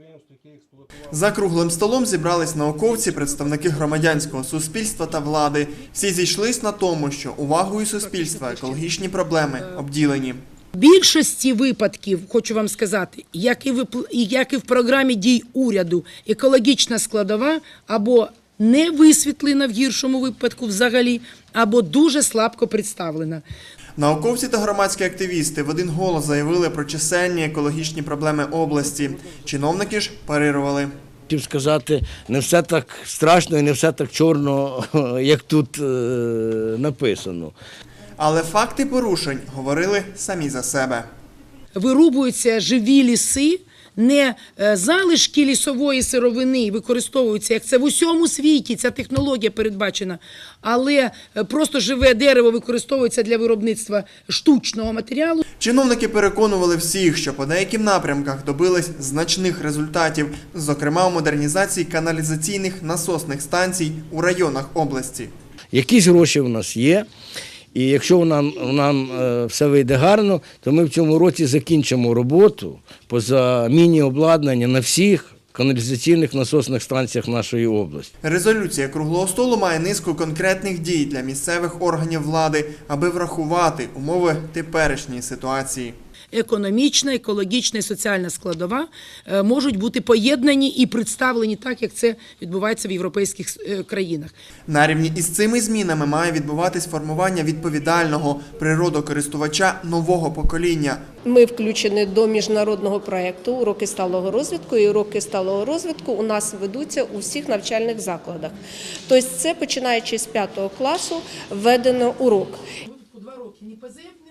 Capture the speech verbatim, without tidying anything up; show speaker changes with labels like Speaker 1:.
Speaker 1: За круглим столом зібрались науковці, представники громадянського суспільства та влади. Всі зійшлись на тому, що увагою суспільства екологічні проблеми обділені.
Speaker 2: В більшості випадків, хочу вам сказати, як і, в, як і в програмі дій уряду, екологічна складова або не висвітлена в гіршому випадку взагалі, або дуже слабко представлена.
Speaker 1: Науковці та громадські активісти в один голос заявили про чисельні екологічні проблеми області. Чиновники ж парирували.
Speaker 3: Хотів сказати, не все так страшно і не все так чорно, як тут е, написано.
Speaker 1: Але факти порушень говорили самі за себе.
Speaker 2: Вирубуються живі ліси, не залишки лісової сировини використовуються, як це в усьому світі, ця технологія передбачена, але просто живе дерево використовується для виробництва штучного матеріалу.
Speaker 1: Чиновники переконували всіх, що по деяким напрямках добились значних результатів, зокрема у модернізації каналізаційних насосних станцій у районах області.
Speaker 3: Якісь гроші в нас є. І якщо нам, нам все вийде гарно, то ми в цьому році закінчимо роботу по заміні обладнання на всіх каналізаційних насосних станціях нашої області.
Speaker 1: Резолюція круглого столу має низку конкретних дій для місцевих органів влади, аби врахувати умови теперішньої ситуації.
Speaker 2: Економічна, екологічна і соціальна складова можуть бути поєднані і представлені так, як це відбувається в європейських країнах.
Speaker 1: На рівні із цими змінами має відбуватись формування відповідального природокористувача нового покоління.
Speaker 4: Ми включені до міжнародного проєкту «Уроки сталого розвитку», і уроки сталого розвитку у нас ведуться у всіх навчальних закладах. Тобто це, починаючи з п'ятого класу, введено урок.
Speaker 2: Два роки ні ПЗ,